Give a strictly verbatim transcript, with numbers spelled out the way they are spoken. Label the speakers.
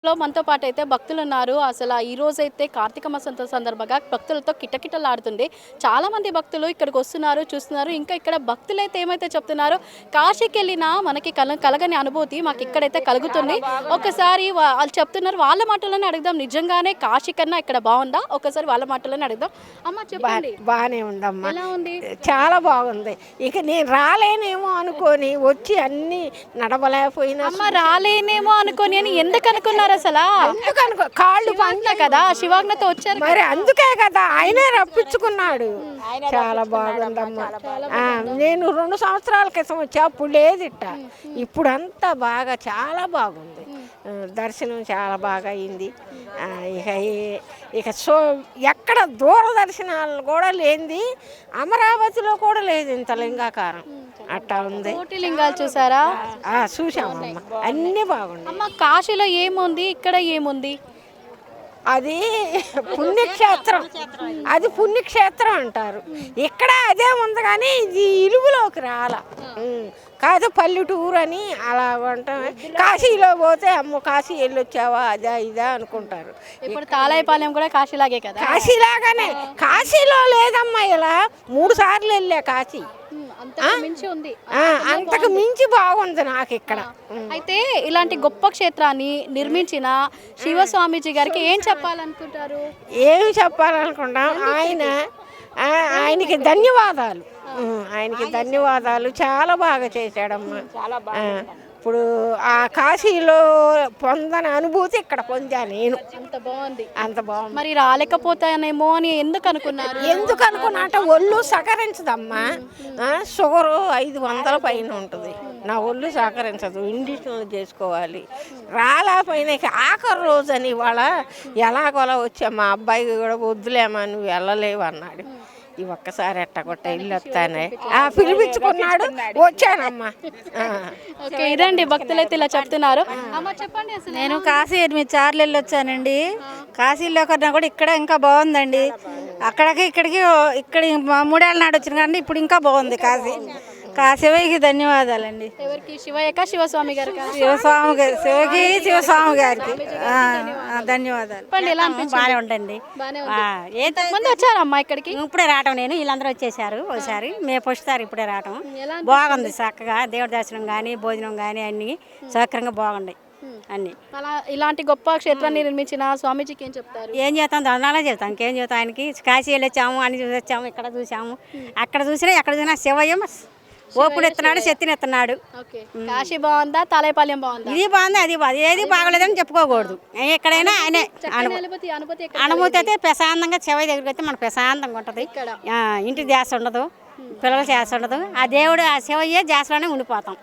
Speaker 1: లో మనతో పాటు అయితే భక్తులు ఉన్నారు. అసలు ఈ రోజైతే కార్తీక మాసం సందర్భంగా భక్తులతో కిటకిటలాడుతుంది. చాలా మంది భక్తులు ఇక్కడికి వస్తున్నారు, చూస్తున్నారు. ఇంకా ఇక్కడ భక్తులైతే ఏమైతే చెప్తున్నారో, కాశీకి వెళ్ళినా మనకి కల కలగని అనుభూతి మాకు ఇక్కడైతే కలుగుతుంది. ఒకసారి వాళ్ళు చెప్తున్నారు, వాళ్ళ మాటలోనే అడుగుదాం. నిజంగానే కాశీ కన్నా ఇక్కడ బాగుందా? ఒకసారి వాళ్ళ మాటలోనే అడుగుదాం. అమ్మ చెప్పండి.
Speaker 2: బాగానే ఉందమ్మా,
Speaker 1: ఎలా ఉంది?
Speaker 2: చాలా బాగుంది. ఇక నేను రాలేనేమో అనుకొని వచ్చి అన్ని నడవలేకపోయినా
Speaker 1: అమ్మ రాలేనేమో అనుకొని అని ఎందుకు అనుకున్నారు? అసలు
Speaker 2: ఎందుకనుకో కాళ్ళు
Speaker 1: పంట కదా, శివాజ్ఞతో వచ్చారు
Speaker 2: మరి, అందుకే కదా ఆయనే రప్పించుకున్నాడు. చాలా బాగుందమ్మా. నేను రెండు సంవత్సరాల క్రితం వచ్చా, అప్పుడు లేదు ఇట్ట. ఇప్పుడు అంతా బాగా చాలా బాగుంది. దర్శనం చాలా బాగా అయింది. ఇక ఇక సో ఎక్కడ దూరదర్శనాలు కూడా లేనిది అమరావతిలో కూడా లేదు ఇంత లింగాకారం. అట్టా ఉంది.
Speaker 1: కోటి లింగాలు చూసారా?
Speaker 2: చూసామమ్మా, అన్నీ బాగుంది.
Speaker 1: అమ్మ కాశీలో ఏముంది, ఇక్కడ ఏముంది?
Speaker 2: అది పుణ్యక్షేత్రం, అది పుణ్యక్షేత్రం అంటారు. ఇక్కడ అదే ఉంది కానీ ఇది ఇలుగులోకి రాల. కాదు పల్లెటూరు అని అలా ఉంటాం. కాశీలో పోతే అమ్మ కాశీ వెళ్ళొచ్చావా అదా ఇదా అనుకుంటారు.
Speaker 1: ఇప్పుడు తాళాయిపాలెం కూడా కాశీలాగే కదా?
Speaker 2: కాశీలాగానే. కాశీలో లేదమ్మా, ఇలా మూడు సార్లు వెళ్ళా కాశీ. అంతకు మించి బాగుంది నాకు ఇక్కడ.
Speaker 1: అయితే ఇలాంటి గొప్ప క్షేత్రాన్ని నిర్మించిన శివస్వామీజీ గారికి ఏం చెప్పాలనుకుంటారు?
Speaker 2: ఏమి చెప్పాలనుకుంటాం, ఆయన ఆయనకి ధన్యవాదాలు. ఆయనకి ధన్యవాదాలు. చాలా బాగా చేశాడమ్మా. ఇప్పుడు ఆ కాశీలో పొందని అనుభూతి ఇక్కడ పొందా నేను.
Speaker 1: అంత బాగుంది,
Speaker 2: అంత బాగుంది.
Speaker 1: మరి రాలేకపోతానేమో అని ఎందుకు అనుకున్నారు?
Speaker 2: ఎందుకు అనుకున్నా అంటే ఒళ్ళు సహకరించదమ్మా. షుగరు ఐదు వందల పైన ఉంటుంది. నా ఒళ్ళు సహకరించదు, ఇండిషన్లు చేసుకోవాలి. రాలేకపోయినా ఆఖరి రోజు అని ఇవాళ ఎలాగోలా వచ్చా. మా అబ్బాయికి కూడా వద్దులేమా నువ్వు వెళ్ళలేవు అన్నాడు. ఈ ఒక్కసారి ఎట్టగొట్ట ఇల్లు వస్తానే పిలిపించుకున్నాడు, వచ్చానమ్మా.
Speaker 1: ఓకే, ఇదండి భక్తులైతే ఇలా చెప్తున్నారు. చెప్పండి.
Speaker 3: నేను కాశీ ఎనిమిది సార్లు వెళ్ళి వచ్చానండి. కాశీలో కన్నా కూడా ఇక్కడ ఇంకా బాగుందండి. అక్కడికి ఇక్కడికి ఇక్కడ మూడేళ్ళ నాడు వచ్చిన కానీ ఇప్పుడు ఇంకా బాగుంది కాశీ. శివయ్యకి ధన్యవాదాలండి.
Speaker 1: ఎవరికి? శివయ్యక శివస్వామి గారు?
Speaker 3: శివస్వామి గారి శివకి శివస్వామి గారికి ధన్యవాదాలు.
Speaker 4: బాగానే ఉండండి.
Speaker 1: ముందు వచ్చారమ్మా ఇక్కడికి?
Speaker 4: ఇప్పుడే రావటం. నేను వీళ్ళందరూ వచ్చేసారు ఒకసారి, మేము పొస్తారు ఇప్పుడే రావటం. బాగుంది చక్కగా. దేవుడి దర్శనం కానీ భోజనం కానీ అన్ని సౌకర్యంగా బాగుంటాయి అన్ని.
Speaker 1: అలా ఇలాంటి గొప్ప క్షేత్రాన్ని నిర్మించిన స్వామీజీకి ఏం చెప్తారు?
Speaker 4: ఏం చేస్తాం, దండాలే చెప్తాం. ఇంకేం చెప్తాం. ఆయనకి కాశీ వెళ్ళొచ్చాము, అన్ని చూసి వచ్చాము. ఇక్కడ చూసాము, అక్కడ చూసినా ఎక్కడ చూసినా శివయ్య ఓపుడు ఎత్తున్నాడు, శక్తిని ఎత్తున్నాడు.
Speaker 1: కాశీ బాగుందా, తాళాయిపాలెం బాగుందా?
Speaker 4: ఇది బాగుంది, అది బాగుంది. ఏది బాగలేదని చెప్పుకోకూడదు. ఎక్కడైనా ఆయనే అనుభూతి అయితే ప్రశాంతంగా శివయ్య దగ్గరికి అయితే మనకు ప్రశాంతంగా ఉంటుంది. ఇంటి ధ్యాస ఉండదు, పిల్లల ధ్యాస ఉండదు. ఆ దేవుడు ఆ శివయ్య ధ్యాసలోనే ఉండిపోతాం.